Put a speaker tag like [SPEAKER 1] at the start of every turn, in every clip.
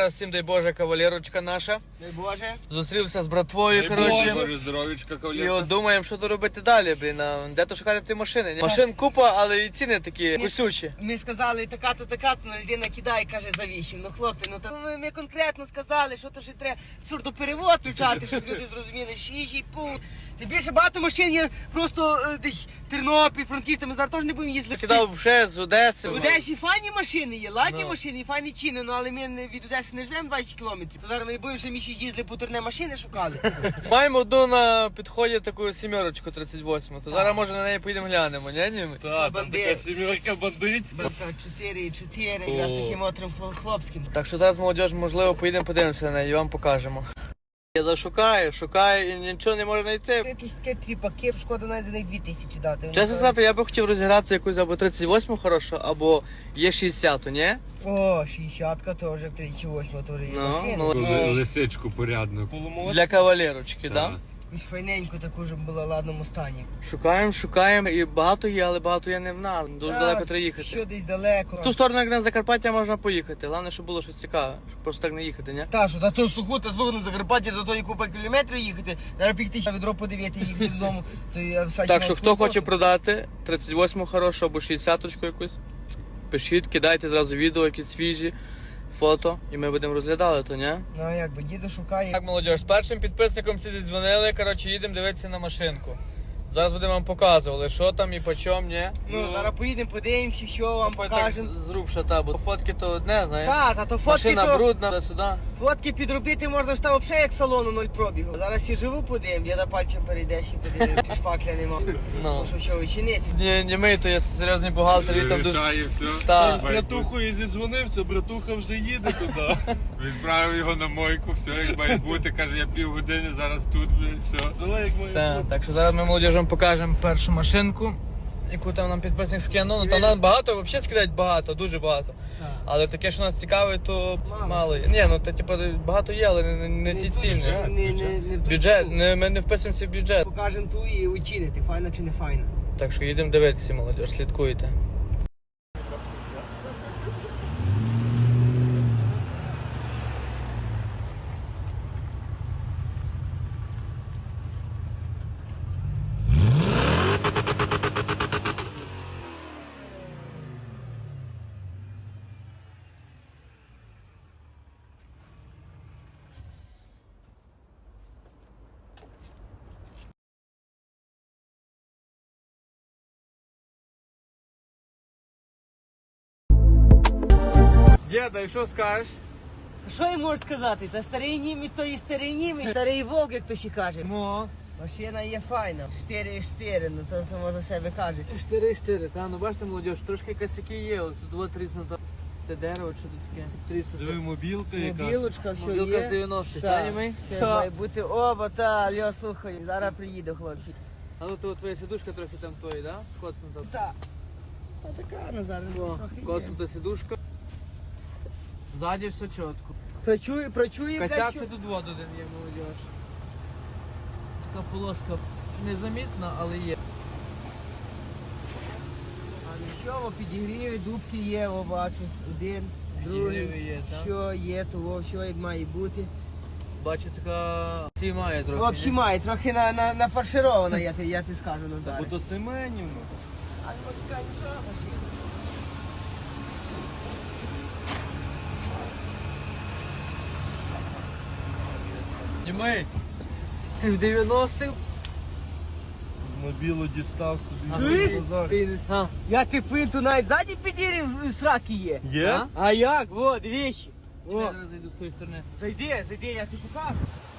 [SPEAKER 1] раз всім дай Боже, кавалерочка наша.
[SPEAKER 2] Дай Боже.
[SPEAKER 1] Зустрівся з братвою, коротше.
[SPEAKER 3] Боже, здоровічка,
[SPEAKER 1] І
[SPEAKER 3] кавалерка.
[SPEAKER 1] от думаємо, що то робити далі, блін. Де то шукати ті машини? Ні? Машин купа, але і ціни такі кусючі.
[SPEAKER 2] Ми сказали, така-то, ну людина кидає, каже, за 8. Ну хлопці, ну там ми конкретно сказали, що то ще треба сурдоперевод включати, щоб люди зрозуміли, що їжі, пункт. Тим більше багато машин є просто десь Тернопіль, Франківськ, ми зараз теж не будемо їздити.
[SPEAKER 1] Кидав ще з Одеси.
[SPEAKER 2] В Одесі файні машини є, ладні
[SPEAKER 1] Ну.
[SPEAKER 2] машини, і файні ціни, ну але ми від Одеси не живемо 20 кілометрів. То зараз ми будемо ще міші їздили по турне машини шукали.
[SPEAKER 1] Маємо одну на підході таку сімерочку 38, то зараз може на неї поїдемо глянемо, ні?
[SPEAKER 3] Та, там
[SPEAKER 2] Бандит.
[SPEAKER 3] така сімерка бандитська.
[SPEAKER 2] 4,4, якраз таким мотором хлопським.
[SPEAKER 1] Так що зараз молодіж, можливо, поїдемо подивимося на неї і вам покажемо. Я зашукаю, шукаю і нічого не можу знайти.
[SPEAKER 2] Якісь такі тріпаки, шкода навіть за них 2000 дати.
[SPEAKER 1] Чесно сказати, я би хотів розіграти якусь або 38 хорошу, або є 60, ні?
[SPEAKER 2] О, 60-ка теж, 38 теж є
[SPEAKER 1] Ну,
[SPEAKER 2] машина.
[SPEAKER 1] ну,
[SPEAKER 3] Лисичку порядну.
[SPEAKER 1] для кавалерочки, так? Да?
[SPEAKER 2] Ось файненько таку, щоб була в ладному стані.
[SPEAKER 1] Шукаємо і багато є, але багато є не в нас. Дуже далеко треба їхати.
[SPEAKER 2] Що десь далеко.
[SPEAKER 1] В ту сторону, як на Закарпаття, можна поїхати. Головне, щоб було щось цікаве, щоб просто так не їхати, ні?
[SPEAKER 2] Та, що та то суху, та слухай, на Закарпаття до тої купа кілометрів їхати. Зараз піти ще відро подивити і їхати додому. То я
[SPEAKER 1] Так що хто хоче продати 38 хорошу або 60-очку якусь, пишіть, кидайте зразу відео, якісь свіжі, фото, і ми будемо розглядати, то, ні?
[SPEAKER 2] Ну а як би, діду шукає.
[SPEAKER 1] Так, молодіж, з першим підписником всі дзвонили, коротше, їдемо дивитися на машинку. Зараз будемо вам показувати, що там і по чому, ні?
[SPEAKER 2] Ну, зараз поїдемо, подивимося, що вам покажемо.
[SPEAKER 1] з рук шата, бо фотки то одне, знаєш.
[SPEAKER 2] Та то фотки
[SPEAKER 1] Машина
[SPEAKER 2] то...
[SPEAKER 1] брудна, сюди.
[SPEAKER 2] Фотки підробити можна ж там взагалі як салону 0 пробігу. Зараз я живу подивим, я на пальцем перейдеш і подивим, чи шпакля нема.
[SPEAKER 1] Ну.
[SPEAKER 2] Що учинити.
[SPEAKER 1] Не ми, то є серйозний бухгалтер, він там дуже...
[SPEAKER 3] Рішає все.
[SPEAKER 1] Так.
[SPEAKER 3] З братухою зідзвонився, братуха вже їде туди. Відправив його на мойку, все як має бути. Каже, я півгодини зараз тут вже, все. Все як має
[SPEAKER 1] Так,
[SPEAKER 3] бути.
[SPEAKER 1] так що зараз ми молодіжам покажемо першу машинку, яку там нам підписник скинув. Ну там нам багато, взагалі скидають багато, дуже багато. Але таке, що нас цікавить, то мало є. Ні, ну то типу багато є, але не ті ціни.
[SPEAKER 2] Не
[SPEAKER 1] Бюджет, ми не вписуємося в бюджет.
[SPEAKER 2] Покажемо ту і учинити, файна чи не файна.
[SPEAKER 1] Так що їдемо дивитися, молодіж, слідкуйте. Діда, і що скажеш?
[SPEAKER 2] Що я можу сказати? Та старий німець, то і старий німець, старий вовк, як то ще каже.
[SPEAKER 1] Ну,
[SPEAKER 2] Машина є файна. 4,4, ну то само за себе каже.
[SPEAKER 1] 4-4, та, ну бачите, молодіж, трошки косяки є, от тут 2-3 те дерево, що тут таке? 300.
[SPEAKER 3] Диви, мобілка яка.
[SPEAKER 2] Мобілочка, все
[SPEAKER 1] Мобілка
[SPEAKER 2] є.
[SPEAKER 1] з 90-х,
[SPEAKER 2] Все.
[SPEAKER 1] та, німий?
[SPEAKER 2] Все має бути оба, та, Льо, слухай, зараз приїду, хлопці.
[SPEAKER 1] А ну то твоя сидушка трохи там твої, да? Коцнута.
[SPEAKER 2] Та. А така, Назар, трохи є.
[SPEAKER 1] Коцнута сидушка. Ззаді все чітко.
[SPEAKER 2] Прочує,
[SPEAKER 1] Косяк тут воду один є, молодіж. Така полоска незамітна, але є.
[SPEAKER 2] А нічого, підігріви, дубки є, о, бачу. Один, другий.
[SPEAKER 1] Підігріви є, так?
[SPEAKER 2] Що є, того, все як має бути.
[SPEAKER 1] Бачу, така всі має трохи.
[SPEAKER 2] Взагалі
[SPEAKER 1] ні?
[SPEAKER 2] має, трохи нафарширована, я ти скажу, Назар.
[SPEAKER 3] Бо то Семенівна.
[SPEAKER 2] А ну, така нічого, машина.
[SPEAKER 1] Німей, ти в 90-х?
[SPEAKER 3] Мобілу дістав собі.
[SPEAKER 2] Чуєш?
[SPEAKER 1] А,
[SPEAKER 2] Я ти пинту навіть ззаді підірів сраки є.
[SPEAKER 3] Є?
[SPEAKER 1] А?
[SPEAKER 2] А як? Во, двічі.
[SPEAKER 1] я
[SPEAKER 2] О,
[SPEAKER 1] зараз зайду з тої сторони.
[SPEAKER 2] зайди, я тобі покажу.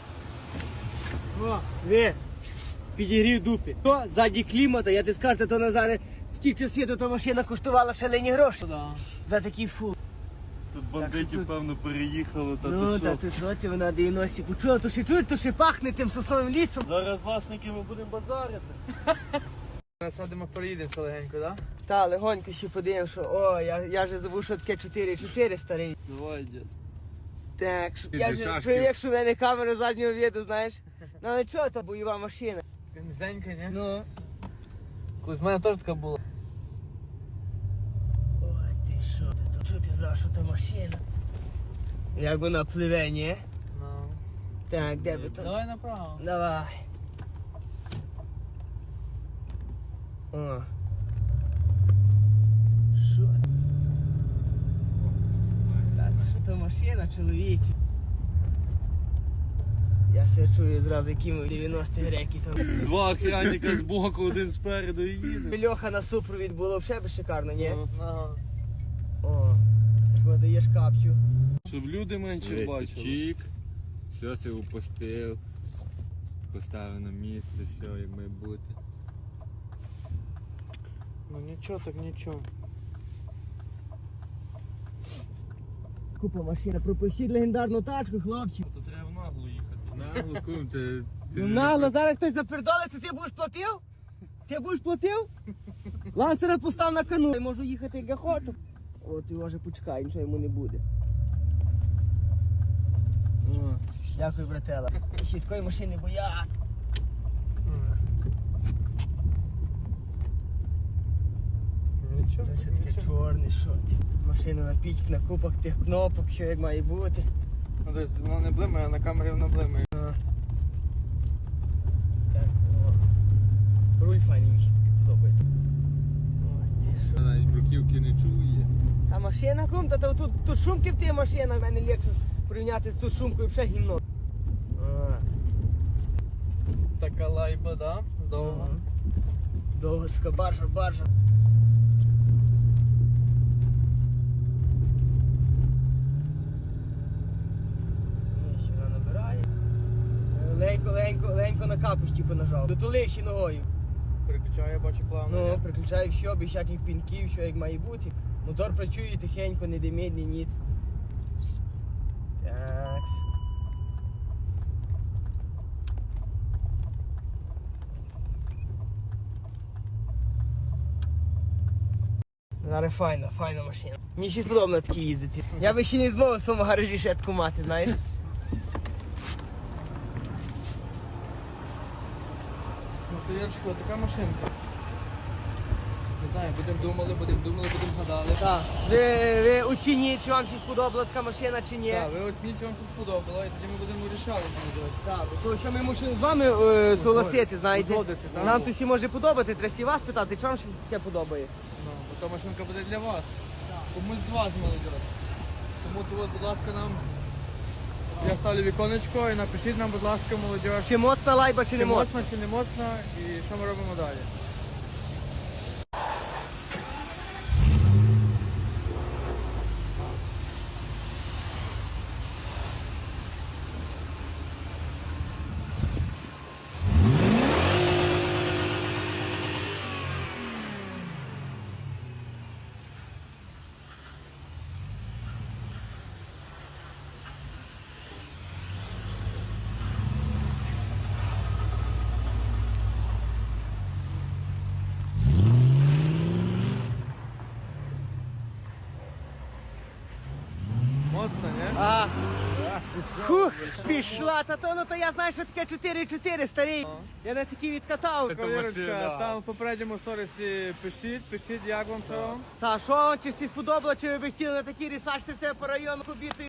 [SPEAKER 2] О, ви, підігрів дупі. То, ззаді клімата, я ти скажу, то Назаре, в ті часи то машина коштувала шалені гроші.
[SPEAKER 1] Да.
[SPEAKER 2] За такий фул.
[SPEAKER 3] Тут бандитів, певно, переїхало, та
[SPEAKER 2] Ну,
[SPEAKER 3] то
[SPEAKER 2] та
[SPEAKER 3] що.
[SPEAKER 2] ти що ти, вона 90-ку. Чого, то ще чуєш, то ще пахне тим сосновим лісом.
[SPEAKER 3] Зараз власники ми будемо базарити.
[SPEAKER 1] Зараз садимо, переїдемося легенько, да?
[SPEAKER 2] Та, легонько ще подивимо, що, о, я же забув, що таке 4,4 старий.
[SPEAKER 3] Давай, дід.
[SPEAKER 2] Так,
[SPEAKER 3] Ти
[SPEAKER 2] я
[SPEAKER 3] за
[SPEAKER 2] же
[SPEAKER 3] чашки.
[SPEAKER 2] привик, що в мене камера заднього віду, знаєш. Ну, але чого, то бойова машина.
[SPEAKER 1] Низенька, ні?
[SPEAKER 2] Ну.
[SPEAKER 1] Колись в мене теж така була.
[SPEAKER 2] Ой, ти що ти, то чого ти зразу, що то машина? Як вона пливе, ні?
[SPEAKER 1] Ну.
[SPEAKER 2] Так, де би тут?
[SPEAKER 1] Давай направо.
[SPEAKER 2] Давай. О. Що? Так, що то машина, чоловіче? Я все чую зразу, які ми в 90-х реки там.
[SPEAKER 4] Два охранника з боку, один спереду і їде.
[SPEAKER 2] Льоха на супровід було взагалі шикарно, ні?
[SPEAKER 1] Ага.
[SPEAKER 2] О, що даєш капчу.
[SPEAKER 4] Щоб люди менше бачили.
[SPEAKER 3] Чик, все себе упустив, поставив на місце, все як має бути.
[SPEAKER 1] Ну нічого, так нічого.
[SPEAKER 2] Купа машина, пропустіть легендарну тачку, хлопчик.
[SPEAKER 4] То треба в наглу їхати.
[SPEAKER 3] Нагло, кум, ти...
[SPEAKER 2] Ну нагло, зараз хтось запердолить, то ти будеш платив? Ти будеш платив? Лансера постав на кону, я можу їхати як я хочу. От його вже почекай, нічого йому не буде. О, дякую, братела. Ще такої машини боять.
[SPEAKER 1] Нічого.
[SPEAKER 2] Це все таке чорне, що ти. Машина на пічк, на купах тих кнопок, що як має бути.
[SPEAKER 1] Ну десь воно не блимає, а на камері воно блимає.
[SPEAKER 2] Так, о. Руль файний, мені таки подобається. О, ти що.
[SPEAKER 3] Навіть бруківки не чує.
[SPEAKER 2] А машина кум, та тут шумки в тій машина, в мене Lexus порівняти з тут шумкою вже гімно.
[SPEAKER 1] Така лайба, да? Довго.
[SPEAKER 2] Довгоська баржа. Ні, ще вона набирає. Легенько на капусті понажав. Дотулив ще ногою.
[SPEAKER 1] Переключаю, я бачу плавно.
[SPEAKER 2] Ну,
[SPEAKER 1] є.
[SPEAKER 2] приключаю все, без всяких пінків, що як має бути. Мотор працює тихенько, не димить, ні ніц. Такс. Зараз файна машина. Мені ще сподобано такі їздити. Я би ще не змовив в своєму гаражі ще таку мати, знаєш.
[SPEAKER 1] Ну, то Ярчику, така машинка. Не знаю, будемо гадали.
[SPEAKER 2] Так. Ви оцініть, чи вам ще сподобала така машина, чи ні.
[SPEAKER 1] Так, ви оцініть, що вам це сподобало, і тоді ми будемо рішати, що робити.
[SPEAKER 2] Так, то що ми мусимо з вами согласити, знаєте.
[SPEAKER 1] Узгодити, так?
[SPEAKER 2] Нам то всі може подобати, треба всі вас питати, чи вам щось таке подобає.
[SPEAKER 1] Ну, бо та машинка буде для вас. Комусь з вас, молодь. Тому то, от, будь ласка, нам... Я ставлю віконечко і напишіть нам, будь ласка, молодь.
[SPEAKER 2] Чи моцна лайба, чи не моцна.
[SPEAKER 1] моцна, чи не моцна, і що ми робимо далі. Моцна, ні?
[SPEAKER 2] А. Фух, пішла, то я знаю, що таке 4-4 старий. Я на такі відкатав.
[SPEAKER 1] Кавірочка, там в попередньому сторісі пишіть, як вам це вам.
[SPEAKER 2] Та що, чи всі сподобало, чи ви б хотіли на такій рісачці все по району побіти?